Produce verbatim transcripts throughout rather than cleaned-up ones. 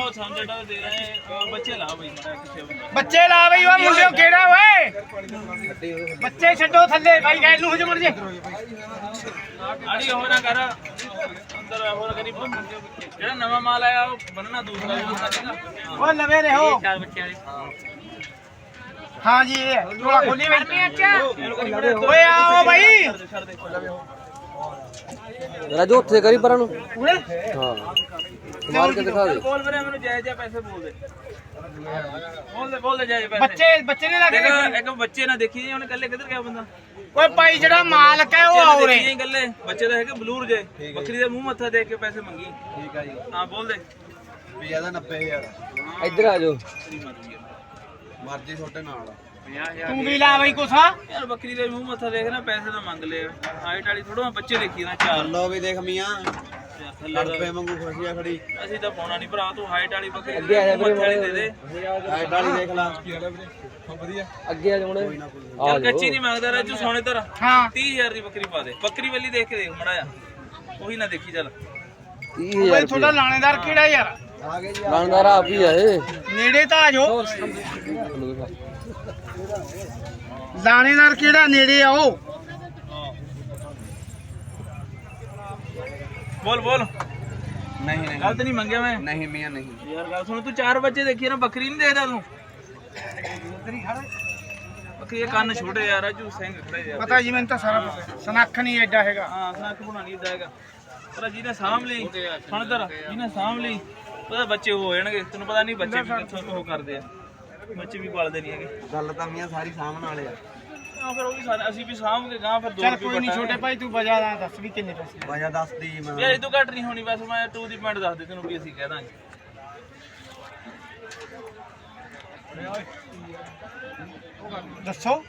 समझ दे रहे हैं बच्चे ला भाई ਬੱਚੇ ਲਾ ਬਈ ਉਹ ਮੁੰਡਿਓ ਕਿਹੜਾ ਓਏ ਬੱਚੇ ਛੱਡੋ ਥੱਲੇ ਬਾਈ ਗੈਲ ਨੂੰ ਹੋ ਮਰ ਜੇ आड़ी हो ना कर अंदर हो करी जेड़ा नवा माल आया वो बनना दूसरा दूसरा ਓ ਲਵੇ ਰਹੋ चार बच्चे वाली ਹਾਂ ਜੀ ਇਹ ਝੋਲਾ ਖੋਲੀ ਬਈ ਓਏ ਆਓ ਬਾਈ ਰਾਜੂ ਉੱਥੇ ਕਰੀ ਪਰਾਂ ਨੂੰ ਉਰੇ ਹਾਂ ਮਾਰ ਕੇ ਦਿਖਾ ਦੇ बोल मेरे मैंने जायज जायज पैसे बोल दे बोल दे बोल दे जायज पैसे ਬੱਚੇ ਬੱਚੇ ਨੇ ਲੱਗੇ देखो एक बच्चे ना देखी ਉਹਨੇ ਕੱਲੇ ਕਿੱਧਰ ਗਿਆ ਬੰਦਾ ਓਏ ਭਾਈ ਜਿਹੜਾ ਮਾਲਕ ਹੈ ਉਹ ਆਉ ਰੇ ਗੱਲੇ ਬੱਚੇ ਦਾ ਹੈਗੇ ਬਲੂਰ ਜੇ ਬੱਕਰੀ ਦੇ ਮੂੰਹ ਮੱਥਾ ਦੇਖ ਕੇ ਪੈਸੇ ਮੰਗੀ ਠੀਕ ਆ ਜੀ ਹਾਂ ਬੋਲ ਦੇ ਵੀ ਇਹਦਾ ਨੱਬੇ ਹਜ਼ਾਰ ਇੱਧਰ ਆ ਜਾਓ ਮਰਜ਼ੀ ਤੁਹਾਡੇ ਨਾਲ ਤੂੰ ਵੀ ਲਾ ਬਈ ਕੁਛ ਯਾਰ ਬੱਕਰੀ ਦੇ ਮੂੰਹ ਮੱਥਾ ਦੇਖ ਨਾ ਪੈਸੇ ਤਾਂ ਮੰਗ ਲਏ ਹਾਈਟ ਵਾਲੀ ਥੋੜਾ ਬੱਚੇ ਦੇਖੀ ਨਾ ਚਾਰ ਲੋ ਵੀ ਦੇਖ ਮੀਆਂ ਥੱਲੇ ਨੱਬੇ ਵਾਂਗੂ ਖੁਸ਼ੀਆ ਖੜੀ ਅਸੀਂ ਤਾਂ ਪਾਉਣਾ ਨਹੀਂ ਭਰਾ ਤੂੰ ਹਾਈਟ ਵਾਲੀ ਬੱਕਰੀ ਅੱਗੇ ਆ ਜਾ ਵੀਰੇ, ਮੱਥੇ ਵਾਲੀ ਦੇ ਦੇ ਹਾਈਟ ਵਾਲੀ ਦੇਖ ਲਾ ਅੱਗੇ ਆ ਜਾਉਣੇ ਯਾਰ ਕੱਚੀ ਨਹੀਂ ਮੰਗਦਾ ਰਾਜੂ ਸੋਨੇ ਤਰ ਹਾਂ ਤੀਹ ਹਜ਼ਾਰ ਦੀ ਬੱਕਰੀ ਪਾ ਦੇ ਬੱਕਰੀ ਵਾਲੀ ਦੇਖ ਕੇ ਦੇਖ ਮੜਾ ਜਾ ਉਹੀ ਨਾ ਦੇਖੀ ਚੱਲ ਤੀਹ ਬਈ ਹਜ਼ਾਰ ਤੁਹਾਡਾ ਲਾਣੇਦਾਰ ਕਿਹੜਾ ਯਾਰ ਆ ਗਏ ਜੀ ਲਾਣਦਾਰ ਆਪ ਹੀ ਆ ਇਹ ਨੇੜੇ ਤਾਂ ਆ ਜਾਓ ਲਾਣੇਦਾਰ ਕਿਹੜਾ ਨੇੜੇ ਆਓ ਬੋਲ ਬੋਲ ਨਹੀਂ ਨਹੀਂ ਗਲਤ ਨਹੀਂ ਮੰਗਿਆ ਮੈਂ ਨਹੀਂ ਮੀਆਂ ਨਹੀਂ ਯਾਰ ਗੱਲ ਸੁਣ ਤੂੰ ਚਾਰ ਬੱਚੇ ਦੇਖੀ ਨਾ ਬੱਕਰੀ ਨਹੀਂ ਦੇਖਦਾ ਤੂੰ ਬੱਕਰੀ ਦੇ ਕੰਨ ਛੋਟੇ ਯਾਰ ਰਾਜੂ ਸਿੰਘ ਖੜੇ ਯਾਰ ਪਤਾ ਜੀ ਮੈਨੂੰ ਤਾਂ ਸਾਰਾ ਪਤਾ ਸਨੱਖ ਨਹੀਂ ਐਡਾ ਹੈਗਾ ਹਾਂ ਸਨੱਖ ਬਣਾਣੀ ਇਦਾਂ ਹੈਗਾ ਪਰ ਜਿਹਨੇ ਸਾਂਭ ਲਈ ਸੁਣਦਰ ਜਿਹਨੇ ਸਾਂਭ ਲਈ ਉਹਦੇ ਬੱਚੇ ਹੋ ਜਾਣਗੇ ਤੈਨੂੰ ਪਤਾ ਨਹੀਂ ਬੱਚੇ ਵੀ ਕਿੱਥੋਂ ਉਹ ਕਰਦੇ ਆ ਬੱਚੇ ਵੀ ਪਾਲਦੇ ਨਹੀਂ ਹੈਗੇ ਗੱਲ ਤਾਂ ਮੀਆਂ ਸਾਰੀ ਸਾਹਮਣੇ ਵਾਲੇ ਆ ਹਾਂ ਫਿਰ ਉਹ ਵੀ ਸਾਰੇ ਅਸੀਂ ਵੀ ਸਾਂਭ ਕੇ ਗਾਂ ਫਿਰ ਦੋ ਚੱਲ ਰੁਪਏ ਕੋਈ ਨਹੀਂ ਛੋਟੇ ਭਾਈ ਤੂੰ ਵਜਾ ਦਾ ਦੱਸ ਵੀ ਕਿੰਨੇ ਪੈਸੇ ਵਜਾ ਦੱਸ ਦੀ ਮੈਂ ਯਾਰ ਇਹ ਤੋਂ ਘੱਟ ਨਹੀਂ ਹੋਣੀ ਬਸ ਮੈਂ ਟੂ ਦੀ ਪੁਆਇੰਟ ਦੱਸ ਦੇ ਤੈਨੂੰ ਵੀ ਅਸੀਂ ਕਹਿ ਦਾਂਗੇ ਦੱਸੋ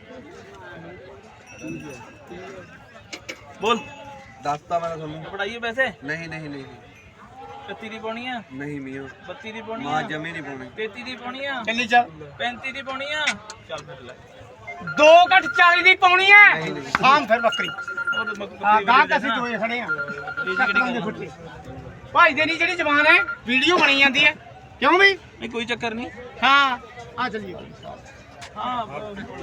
ਬੋਲ ਦੱਸਤਾ ਮੈਂ ਤੁਹਾਨੂੰ ਪੜਾਈਏ ਪੈਸੇ ਨਹੀਂ ਨਹੀਂ ਨਹੀਂ ਇਕੱਤੀ ਦੀ ਪਾਉਣੀ ਆ ਨਹੀਂ ਮੀਆਂ ਬੱਤੀ ਦੀ ਪਾਉਣੀ ਮਾਂ ਆ ਜਮੀ ਨਹੀਂ ਪਾਉਣੀ ਤੇਤੀ ਦੀ ਪਾਉਣੀ ਆ ਚੱਲੀ ਚੱਲ ਪੈਂਤੀ ਦੀ ਪਾਉਣੀ ਆ ਚੱਲ ਫਿਰ ਲੈ ਦੋ ਘੱਟ ਚਾਲੀ ਦੀ ਪਾਉਣੀ ਐ ਆਮ ਫਿਰ ਬੱਕਰੀ ਉਹ ਤਾਂ ਬੱਕਰੀ ਹਾਂ ਗਾਂ ਵਾਲੀ ਅਸੀਂ ਦੇਣਾ। ਦੋਏ ਖੜੇ ਆ ਇਹ ਕਿਹੜੀ ਗੱਲ ਆ? ਭਾਈ ਦੇ ਨਹੀਂ ਜਿਹੜੀ ਜ਼ਬਾਨ ਹੈ ਵੀਡੀਓ ਬਣੀ ਜਾਂਦੀ ਹੈ ਕਿਉਂ ਵੀ ਨਹੀਂ ਕੋਈ ਚੱਕਰ ਨਹੀਂ ਹਾਂ ਆ ਚੱਲੀਏ ਹਾਂ